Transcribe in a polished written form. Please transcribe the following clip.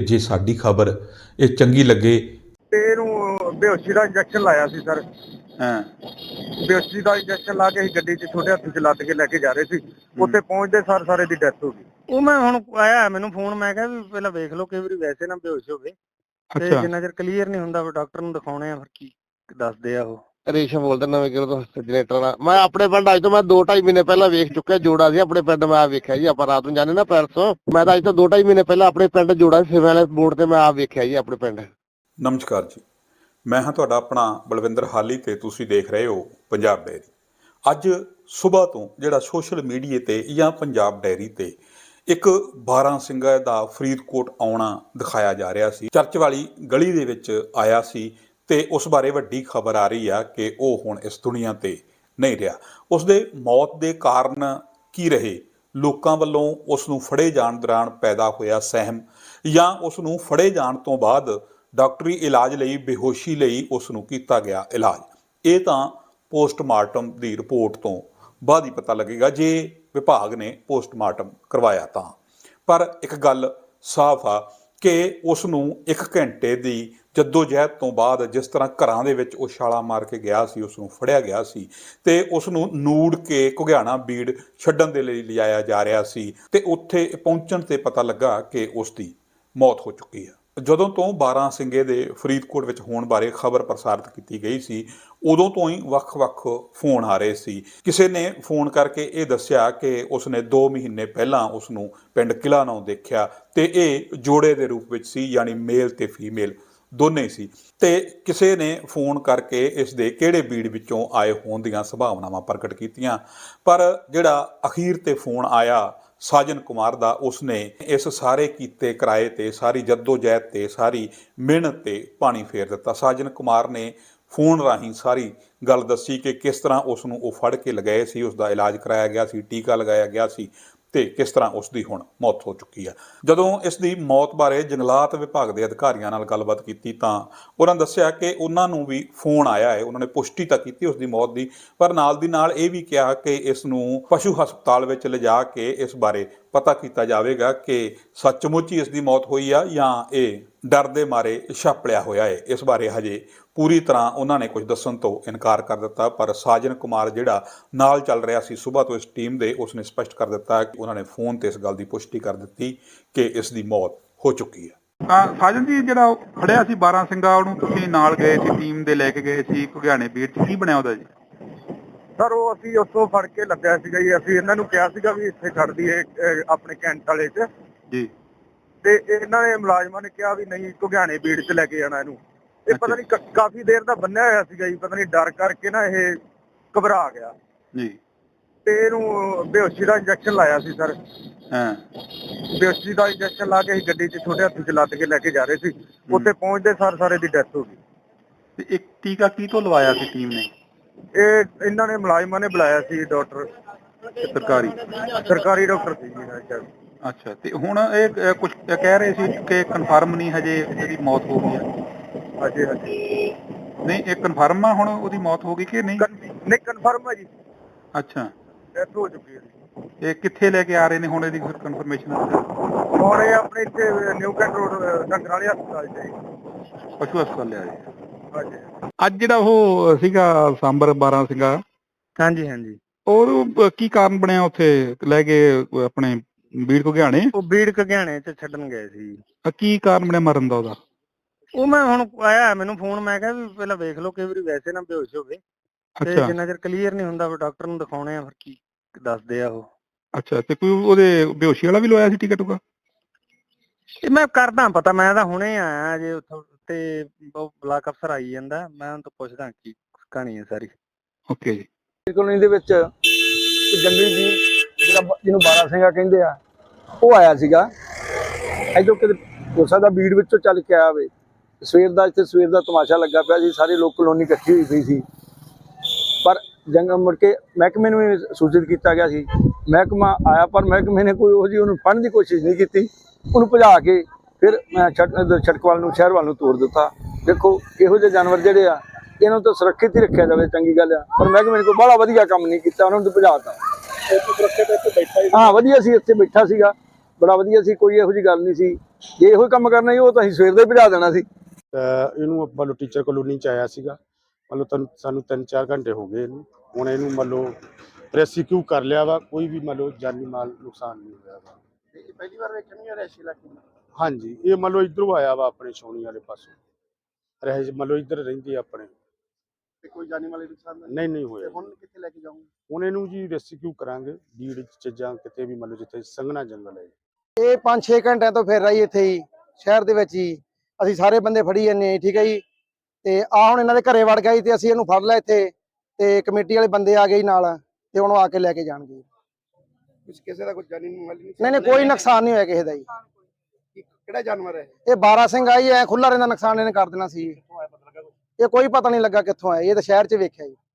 ਜੇ ਸਾਡੀ ਖਬਰ ਇਹ ਚੰਗੀ ਲੱਗੇ ਤੇ ਇਹਨੂੰ ਬੇਹੋਸ਼ੀ ਦਾ ਇੰਜੈਕਸ਼ਨ ਲਾਇਆ ਸੀ ਸਰ। ਹਾਂ ਬੇਹੋਸ਼ੀ ਦਾ ਇੰਜੈਕਸ਼ਨ ਲਾ ਕੇ ਅਸੀਂ ਗੱਡੀ 'ਚ ਛੋਟੇ ਹੱਥ 'ਚ ਲੱਦ ਕੇ ਲੈ ਕੇ ਜਾ ਰਹੇ ਸੀ। ਉੱਥੇ ਪਹੁੰਚਦੇ ਸਾਰ ਸਾਰੇ ਦੀ ਡੈਥ ਹੋ ਗਈ। ਉਹ ਮੈਂ ਹੁਣ ਆਇਆ ਮੈਨੂੰ ਫੋਨ, ਮੈਂ ਕਿਹਾ ਵੀ ਪਹਿਲਾਂ ਵੇਖ ਲਓ, ਕਈ ਵਾਰੀ ਵੈਸੇ ਨਾ ਬੇਹੋਸ਼ ਹੋਵੇ ਤੇ ਜਿੰਨਾ ਚਿਰ ਕਲੀਅਰ ਨਹੀਂ ਹੁੰਦਾ ਵੀ ਡਾਕਟਰ ਨੂੰ ਦਿਖਾਉਣੇ ਆ, ਫਿਰ ਕੀ ਦੱਸਦੇ ਆ। ਉਹ ਰੇਸ਼ਮ ਬੋਲਦਾ ਨਵੇਂ ਕਿਲੋ ਤੋਂ ਜਨਰੇਟਰ ਨਾਲ। ਮੈਂ ਆਪਣੇ ਪਿੰਡ ਅੱਜ ਤੋਂ ਮੈਂ 2-2.5 ਮਹੀਨੇ ਪਹਿਲਾਂ ਵੇਖ ਚੁੱਕਿਆ ਜੋੜਾ ਸੀ ਆਪਣੇ ਪਿੰਡ। ਮੈਂ ਵੇਖਿਆ ਜੀ, ਆਪਾਂ ਰਾਤ ਨੂੰ ਜਾਂਦੇ ਨਾ ਪੈਰਸੋਂ। ਮੈਂ ਤਾਂ ਅੱਜ ਤੋਂ 2-2.5 ਮਹੀਨੇ ਪਹਿਲਾਂ ਆਪਣੇ ਪਿੰਡ ਜੋੜਾ ਸੀ ਵਾਲੇ ਬੋਰਡ ਤੇ ਮੈਂ ਵੇਖਿਆ ਜੀ ਆਪਣੇ ਪਿੰਡ। ਨਮਸਕਾਰ ਜੀ, ਮੈਂ ਹਾਂ ਤੁਹਾਡਾ ਆਪਣਾ ਬਲਵਿੰਦਰ ਹਾਲੀ ਤੇ ਤੁਸੀਂ ਦੇਖ ਰਹੇ ਹੋ ਪੰਜਾਬ ਡਾਇਰੀ। ਅੱਜ ਸਵੇਰ ਤੋਂ ਜਿਹੜਾ ਸੋਸ਼ਲ ਮੀਡੀਆ ਤੇ ਜਾਂ ਪੰਜਾਬ ਡਾਇਰੀ ਤੇ ਇੱਕ 12 ਸਿੰਘਾਂ ਦਾ ਫਰੀਦਕੋਟ ਆਉਣਾ ਦਿਖਾਇਆ ਜਾ ਰਿਹਾ ਸੀ। ਚਰਚ ਵਾਲੀ ਗਲੀ ਦੇ ਵਿੱਚ ਆਇਆ ਸੀ ਤੇ ਉਸ ਬਾਰੇ ਵੱਡੀ ਖਬਰ ਆ ਰਹੀ ਆ ਕਿ ਉਹ ਹੁਣ ਇਸ ਦੁਨੀਆ ਤੇ ਨਹੀਂ ਰਿਹਾ। ਉਸ ਦੇ ਮੌਤ ਦੇ ਕਾਰਨ ਕੀ ਰਹੇ, ਲੋਕਾਂ ਵੱਲੋਂ ਉਸ ਨੂੰ ਫੜੇ ਜਾਣ ਦੌਰਾਨ ਪੈਦਾ ਹੋਇਆ ਸਹਿਮ, ਜਾਂ ਉਸ ਨੂੰ ਫੜੇ ਜਾਣ ਤੋਂ ਬਾਅਦ ਡਾਕਟਰੀ ਇਲਾਜ ਲਈ ਬੇਹੋਸ਼ੀ ਲਈ ਉਸ ਨੂੰ ਕੀਤਾ ਗਿਆ ਇਲਾਜ, ਇਹ ਤਾਂ ਪੋਸਟਮਾਰਟਮ ਦੀ ਰਿਪੋਰਟ ਤੋਂ ਬਾਅਦ ਹੀ ਪਤਾ ਲੱਗੇਗਾ ਜੇ ਵਿਭਾਗ ਨੇ ਪੋਸਟਮਾਰਟਮ ਕਰਵਾਇਆ ਤਾਂ। ਪਰ ਇੱਕ ਗੱਲ ਸਾਫ਼ ਆ ਕਿ ਉਸ ਨੂੰ 1 ਘੰਟੇ ਦੀ ਜੱਦੋ-ਜਹਿਦ ਤੋਂ ਬਾਅਦ ਜਿਸ ਤਰ੍ਹਾਂ ਘਰਾਂ ਦੇ ਵਿੱਚ ਉਹ ਛਾਲਾਂ ਮਾਰ ਕੇ ਗਿਆ ਸੀ, ਉਸ ਨੂੰ ਫੜਿਆ ਗਿਆ ਸੀ ਤੇ ਉਸ ਨੂੰ ਨੂੜ ਕੇ ਘੁਗਿਆਣਾ ਬੀੜ ਛੱਡਣ ਦੇ ਲਈ ਲਿਜਾਇਆ ਜਾ ਰਿਹਾ ਸੀ ਤੇ ਉੱਥੇ ਪਹੁੰਚਣ ਤੇ ਪਤਾ ਲੱਗਾ ਕਿ ਉਸ ਦੀ ਮੌਤ ਹੋ ਚੁੱਕੀ ਹੈ। ਜਦੋਂ ਤੋਂ 12 ਸਿੰਘੇ ਦੇ ਫਰੀਦਕੋਟ ਵਿੱਚ ਹੋਣ ਬਾਰੇ ਖਬਰ ਪ੍ਰਸਾਰਿਤ ਕੀਤੀ ਗਈ ਸੀ, ਉਦੋਂ ਤੋਂ ਹੀ ਵੱਖ-ਵੱਖ ਫੋਨ ਆ ਰਹੇ ਸੀ। ਕਿਸੇ ਨੇ ਫੋਨ ਕਰਕੇ ਇਹ ਦੱਸਿਆ ਕਿ ਉਸਨੇ 2 ਮਹੀਨੇ ਪਹਿਲਾਂ ਉਸ ਨੂੰ ਪਿੰਡ ਕਿਲਾ ਨੌ ਦੇਖਿਆ ਤੇ ਇਹ ਜੋੜੇ ਦੇ ਰੂਪ ਵਿੱਚ ਸੀ, ਯਾਨੀ ਮੇਲ ਤੇ ਫੀਮੇਲ ਦੋਨੇ ਸੀ। ਤੇ ਕਿਸੇ ਨੇ ਫੋਨ ਕਰਕੇ ਇਸ ਦੇ ਕਿਹੜੇ ਬੀੜ ਵਿੱਚੋਂ ਆਏ ਹੋਣ ਦੀਆਂ ਸੰਭਾਵਨਾਵਾਂ ਪ੍ਰਗਟ ਕੀਤੀਆਂ। ਪਰ ਜਿਹੜਾ ਅਖੀਰ ਤੇ ਫੋਨ ਆਇਆ ਸਾਜਨ ਕੁਮਾਰ ਦਾ, ਉਸਨੇ ਇਸ ਸਾਰੇ ਕੀਤੇ ਕਿਰਾਏ ਤੇ, ਸਾਰੀ ਜੱਦੋ-ਜਹਿਦ ਤੇ, ਸਾਰੀ ਮਿਹਨਤ ਤੇ ਪਾਣੀ ਫੇਰ ਦਿੱਤਾ। ਸਾਜਨ ਕੁਮਾਰ ਨੇ ਫੋਨ ਰਾਹੀਂ ਸਾਰੀ ਗੱਲ ਦੱਸੀ ਕਿ ਕਿਸ ਤਰ੍ਹਾਂ ਉਸ ਨੂੰ ਉਹ ਫੜ ਕੇ ਲਗਾਏ ਸੀ, ਉਸ ਦਾ ਇਲਾਜ ਕਰਾਇਆ ਗਿਆ ਸੀ, ਟੀਕਾ ਲਗਾਇਆ ਗਿਆ ਸੀ ਤੇ ਕਿਸ ਤਰ੍ਹਾਂ ਉਸ ਦੀ ਹੁਣ ਮੌਤ ਹੋ ਚੁੱਕੀ ਹੈ। ਜਦੋਂ ਇਸ ਦੀ ਮੌਤ ਬਾਰੇ ਜੰਗਲਾਤ ਵਿਭਾਗ ਦੇ ਅਧਿਕਾਰੀਆਂ ਨਾਲ ਗੱਲਬਾਤ ਕੀਤੀ ਤਾਂ ਉਹਨਾਂ ਦੱਸਿਆ ਕਿ ਉਹਨਾਂ ਨੂੰ ਵੀ ਫੋਨ ਆਇਆ ਹੈ। ਉਹਨਾਂ ਨੇ ਪੁਸ਼ਟੀ ਤਾਂ ਕੀਤੀ ਉਸ ਦੀ ਮੌਤ ਦੀ, ਪਰ ਨਾਲ ਦੀ ਨਾਲ ਇਹ ਵੀ ਕਿਹਾ ਕਿ ਇਸ ਨੂੰ ਪਸ਼ੂ ਹਸਪਤਾਲ ਵਿੱਚ ਲਿਜਾ ਕੇ ਇਸ ਬਾਰੇ ਪਤਾ ਕੀਤਾ ਜਾਵੇਗਾ ਕਿ ਸੱਚਮੁੱਚ ਹੀ ਇਸ ਦੀ ਮੌਤ ਹੋਈ ਆ ਜਾਂ ਇਹ ਡਰ ਦੇ ਮਾਰੇ ਛਾਪਲਿਆ ਹੋਇਆ ਹੈ। ਇਸ ਬਾਰੇ ਹਜੇ ਪੂਰੀ ਤਰ੍ਹਾਂ ਉਹਨਾਂ ਨੇ ਕੁਝ ਦੱਸਣ ਤੋਂ ਇਨਕਾਰ ਕਰ ਦਿੱਤਾ। ਪਰ ਸਾਜਨ ਕੁਮਾਰ ਜਿਹੜਾ ਨਾਲ ਚੱਲ ਰਿਹਾ ਸੀ ਸੁਬਾਹ ਤੋਂ ਇਸ ਟੀਮ ਦੇ, ਉਸਨੇ ਸਪਸ਼ਟ ਕਰ ਦਿੱਤਾ ਕਿ ਉਹਨਾਂ ਨੇ ਫੋਨ ਤੇ ਇਸ ਗੱਲ ਦੀ ਪੁਸ਼ਟੀ ਕਰ ਦਿੱਤੀ ਕਿ ਇਸ ਦੀ ਮੌਤ ਹੋ ਚੁੱਕੀ ਹੈ। ਸਾਜਨ ਜੀ, ਜਿਹੜਾ ਫੜਿਆ ਸੀ 12 ਸਿੰਘਾ, ਉਹਨੂੰ ਤੁਸੀਂ ਨਾਲ ਗਏ ਸੀ, ਟੀਮ ਦੇ ਲੈ ਕੇ ਗਏ ਸੀ ਘੁਗਿਆਣੇ ਬੀੜ 'ਚ, ਕੀ ਬਣਿਆ ਉਹਦਾ ਜੀ? ਸਰ ਉਹ ਅਸੀਂ ਉੱਥੋਂ ਫੜ ਕੇ ਲੱਗਾ ਸੀਗਾ ਜੀ। ਅਸੀਂ ਇਹਨਾਂ ਨੂੰ ਕਿਹਾ ਸੀਗਾ ਵੀ ਇੱਥੇ ਛੱਡ ਦਈਏ ਆਪਣੇ ਕੈਂਟ ਵਾਲੇ 'ਚ ਜੀ, ਤੇ ਇਹਨਾਂ ਨੇ ਮੁਲਾਜ਼ਮਾਂ ਨੇ ਕਿਹਾ ਵੀ ਨਹੀਂ, ਘੁਗਿਆਣੇ ਬੀੜ 'ਚ ਲੈ ਕੇ ਜਾਣਾ ਇਹਨੂੰ। ਇਹ ਪਤਾ ਨਹੀਂ ਕਾਫੀ ਦੇਰ ਦਾ ਬੰਨਿਆ ਹੋਇਆ ਸੀਗਾ ਜੀ, ਪਤਾ ਨਹੀਂ ਡਰ ਕਰਕੇ ਨਾ ਇਹ ਘਬਰਾ ਗਿਆ ਜੀ, ਤੇ ਇਹਨੂੰ ਬੇਹੋਸ਼ੀ ਦਾ ਇੰਜੈਕਸ਼ਨ ਲਾਇਆ ਸੀ ਸਰ। ਹਾਂ ਬੇਹੋਸ਼ੀ ਦਾ ਇੰਜੈਕਸ਼ਨ ਲਾ ਕੇ ਅਸੀਂ ਗੱਡੀ 'ਚ ਛੋਟੇ ਹੱਥ 'ਚ ਲੱਦ ਕੇ ਲੈ ਕੇ ਜਾ ਰਹੇ ਸੀ। ਉੱਥੇ ਪਹੁੰਚਦੇ ਸਾਰ ਸਾਰੇ ਦੀ ਡੈਥ ਹੋ ਗਈ। ਤੇ ਇੱਕ ਟੀਕਾ ਕੀ ਤੋਂ ਲਵਾਇਆ ਸੀ ਟੀਮ ਨੇ? ਇਹ ਇਹਨਾਂ ਨੇ ਮੁਲਾਜ਼ਮਾਂ ਨੇ ਬੁਲਾਇਆ ਸੀ, ਡਾਕਟਰ ਸਰਕਾਰੀ ਡਾਕਟਰ ਸੀ ਜੀ। ਅੱਛਾ, ਤੇ ਹੁਣ ਇਹ ਕੁਝ ਕਹਿ ਰਹੇ ਸੀ ਕਿ ਕਨਫਰਮ ਨਹੀਂ ਹਜੇ ਇਹਦੀ ਮੌਤ ਹੋ ਗਈ ਹੈ? ਹਾਂਜੀ ਹਾਂਜੀ, ਨਹੀਂ ਇਹ ਕਨਫਰਮ ਆ ਹੁਣ ਉਹਦੀ ਮੌਤ ਹੋ ਗਈ ਕਿ ਨਹੀਂ? ਨਹੀਂ ਕਨਫਰਮ ਹੈ ਜੀ। ਅੱਛਾ, ਡੈਥ ਹੋ ਚੁੱਕੀ ਹੈ। ਇਹ ਕਿੱਥੇ ਲੈ ਕੇ ਆ ਰਹੇ ਨੇ ਹੁਣ ਇਹਦੀ ਕਨਫਰਮੇਸ਼ਨ? ਹੁਣ ਇਹ ਆਪਣੇ ਇੱਥੇ ਨਿਊ ਕੈਂਟ ਰੋਡ ਡੰਗਰ ਵਾਲੇ ਹਸਪਤਾਲ 'ਚ ਜੀ, ਪਸ਼ੂ ਹਸਪਤਾਲ ਲਿਆ ਜੀ। ਹਾਂਜੀ। ਅੱਜ ਜਿਹੜਾ ਉਹ ਸੀਗਾ ਸਾਂਬਰ 12 ਸੀਗਾ, ਹਾਂਜੀ ਹਾਂਜੀ, ਉਹ ਕੀ ਕਾਰਨ ਬਣਿਆ ਉੱਥੇ ਲੈ ਕੇ ਆਪਣੇ ਬੀੜ ਘੁਗਿਆਣੇ? ਉਹ ਬੀੜ ਘੁਗਿਆਣੇ 'ਚ ਛੱਡਣ ਗਏ ਸੀ। ਕੀ ਕਾਰਨ ਬਣਿਆ ਮਰਨ ਦਾ ਉਹਦਾ? ਉਹ ਮੈਂ ਹੁਣ ਆਇਆ ਮੈਨੂੰ ਫੋਨ, ਮੈਂ ਕਿਹਾ ਵੀ ਪਹਿਲਾਂ ਵੇਖ ਲਓ, ਕਈ ਵਾਰੀ ਵੈਸੇ ਨਾ ਬੇਹੋਸ਼ ਹੋਵੇ ਤੇ ਜਿੰਨਾ ਚਿਰ ਕਲੀਅਰ ਨਹੀਂ ਹੁੰਦਾ ਵੀ ਡਾਕਟਰ ਨੂੰ ਦਿਖਾਉਣੇ ਆ, ਫਿਰ ਕੀ ਦੱਸਦੇ ਆ। ਉਹ ਅੱਛਾ, ਤੇ ਕੋਈ ਉਹਦੇ ਬੇਹੋਸ਼ੀ ਵਾਲਾ ਵੀ ਲਵਾਇਆ ਸੀ ਟੀਕਾ ਟੂਕਾ? ਇਹ ਮੈਂ ਕਰਦਾ ਪਤਾ, ਮੈਂ ਤਾਂ ਹੁਣੇ ਆਇਆ ਜੇ ਉੱਥੋਂ ਤੇ ਬਲਾਕ ਅਫਸਰ ਆਈ ਜਾਂਦਾ, ਮੈਂ ਉਹਨਾਂ ਤੋਂ ਪੁੱਛਦਾ ਕੀ ਕਹਾਣੀ ਹੈ ਸਾਰੀ। ਓਕੇ ਜੀ। ਕਲੋਨੀ ਦੇ ਵਿੱਚ ਜੰਗਲੀ ਜੀ ਜਿਹੜਾ ਜਿਹਨੂੰ 12 ਸਿੰਘਾ ਕਹਿੰਦੇ ਆ, ਉਹ ਆਇਆ ਸੀਗਾ ਇੱਧਰੋਂ, ਕਿਤੇ ਹੋ ਸਕਦਾ ਬੀੜ ਵਿੱਚੋਂ ਚੱਲ ਕੇ ਆਇਆ ਹੋਵੇ। ਸਵੇਰ ਦਾ ਇੱਥੇ ਸਵੇਰ ਦਾ ਤਮਾਸ਼ਾ ਲੱਗਾ ਪਿਆ ਸੀ, ਸਾਰੇ ਲੋਕ ਕਲੋਨੀ ਇਕੱਠੀ ਹੋਈ ਪਈ ਸੀ। ਪਰ ਮੁੜ ਕੇ ਮਹਿਕਮੇ ਨੂੰ ਵੀ ਸੂਚਿਤ ਕੀਤਾ ਗਿਆ ਸੀ, ਮਹਿਕਮਾ ਆਇਆ, ਪਰ ਮਹਿਕਮੇ ਨੇ ਕੋਈ ਉਹ ਜਿਹੀ ਉਹਨੂੰ ਫੜਨ ਦੀ ਕੋਸ਼ਿਸ਼ ਨਹੀਂ ਕੀਤੀ। ਉਹਨੂੰ ਭਜਾ ਕੇ ਫਿਰ ਛਟਕਵਾਲ ਨੂੰ, ਸ਼ਹਿਰ ਵੱਲ ਨੂੰ ਤੋੜ ਦਿੱਤਾ। ਦੇਖੋ, ਇਹੋ ਜਿਹੇ ਜਾਨਵਰ ਜਿਹੜੇ ਆ, ਇਹਨਾਂ ਨੂੰ ਤਾਂ ਸੁਰੱਖਿਅਤ ਹੀ ਰੱਖਿਆ ਜਾਵੇ, ਚੰਗੀ ਗੱਲ ਆ, ਪਰ ਮਹਿਕਮੇ ਨੇ ਕੋਈ ਬੜਾ ਵਧੀਆ ਕੰਮ ਨਹੀਂ ਕੀਤਾ, ਉਹਨਾਂ ਨੂੰ ਭਜਾਤਾ। ਹਾਂ, ਵਧੀਆ ਸੀ, ਇੱਥੇ ਬੈਠਾ ਸੀਗਾ, ਬੜਾ ਵਧੀਆ ਸੀ, ਕੋਈ ਇਹੋ ਜਿਹੀ ਗੱਲ ਨਹੀਂ ਸੀ। ਜੇ ਇਹੋ ਹੀ ਕੰਮ ਕਰਨਾ ਸੀ ਉਹ ਤਾਂ ਅਸੀਂ ਸਵੇਰ ਦਾ ਹੀ ਭਜਾ ਦੇਣਾ ਸੀ। ਇਹਨੂੰ ਮੰਨ ਲਓ ਟੀਚਰ ਕਲੋਨੀ ਚ ਆਇਆ ਸੀਗਾ, ਮੰਨ ਲਓ ਸਾਨੂੰ 3-4 ਘੰਟੇ ਹੋ ਗਏ ਇਹਨੂੰ। ਹੁਣ ਇਹਨੂੰ ਮੰਨ ਲਓ ਰੈਸਕਿਊ ਕਰ ਲਿਆ ਵਾ, ਕੋਈ ਵੀ ਮੰਨ ਲਓ ਜਾਨੀ ਮਾਲ ਨੁਕਸਾਨ ਨਹੀਂ ਹੋਇਆ ਵਾ। ਪਹਿਲੀ ਵਾਰ ਵੇਖਿਆ ਨਹੀਂ ਰੈਸ਼ੀ ਇਲਾਕੇ ਨੂੰ? ਹਾਂਜੀ, ਇਹ ਮੰਨ ਲਓ ਇੱਧਰੋਂ ਆਇਆ ਵਾ ਆਪਣੇ ਛਾਉਣੀ ਵਾਲੇ ਪਾਸੋਂ, ਰਹਿ ਮੰਨ ਲਓ ਇੱਧਰ ਰਹਿੰਦੇ ਆਪਣੇ। ਤੇ ਕੋਈ ਜਾਨੀ ਮਾਲੀ ਨੁਕਸਾਨ ਨਹੀਂ ਹੋਇਆ। ਹੁਣ ਕਿੱਥੇ ਲੈ ਕੇ ਜਾਓਗੇ? ਹੁਣ ਇਹਨੂੰ ਜੀ ਰੈਸਕਿਊ ਕਰਾਂਗੇ ਬੀੜ ਚ ਜਾਂ ਕਿਤੇ ਵੀ ਮੰਨ ਲਓ ਜਿੱਥੇ ਸੰਘਣਾ ਜੰਗਲ ਹੈ। ਇਹ 5-6 ਘੰਟਿਆਂ ਤੋਂ ਫਿਰ ਰਹੀ ਇੱਥੇ ਹੀ ਸ਼ਹਿਰ ਦੇ ਵਿੱਚ ਹੀ, ਅਸੀਂ ਸਾਰੇ ਬੰਦੇ ਫੜੀ ਜਾਂਦੇ ਠੀਕ ਹੈ ਜੀ। ਤੇ ਆ ਹੁਣ ਇਹਨਾਂ ਦੇ ਘਰੇ ਵੜ ਗਿਆ ਜੀ ਤੇ ਅਸੀਂ ਇਹਨੂੰ ਫੜ ਲਿਆ ਇੱਥੇ, ਤੇ ਕਮੇਟੀ ਵਾਲੇ ਬੰਦੇ ਆ ਗਏ ਨਾਲ ਤੇ ਹੁਣ ਉਹ ਆ ਕੇ ਲੈ ਕੇ ਜਾਣਗੇ। ਕਿਸੇ ਦਾ ਕੋਈ ਜਾਨੀ ਮਾਲੀ ਨਹੀਂ ਕੋਈ ਨੁਕਸਾਨ ਨਹੀਂ ਹੋਇਆ ਕਿਸੇ ਦਾ ਜੀ। ਕਿਹੜਾ ਜਾਨਵਰ ਹੈ ਇਹ 12 ਸਿੰਘ ਆਈ ਐ ਖੁੱਲਾ ਰਹਿੰਦਾ, ਨੁਕਸਾਨ ਇਹਨੇ ਕਰ ਦੇਣਾ ਸੀ। ਇਹ ਕੋਈ ਪਤਾ ਨਹੀਂ ਲੱਗਾ ਕਿੱਥੋਂ ਆਇਆ, ਇਹ ਤਾਂ ਸ਼ਹਿਰ 'ਚ ਵੇਖਿਆ ਜੀ।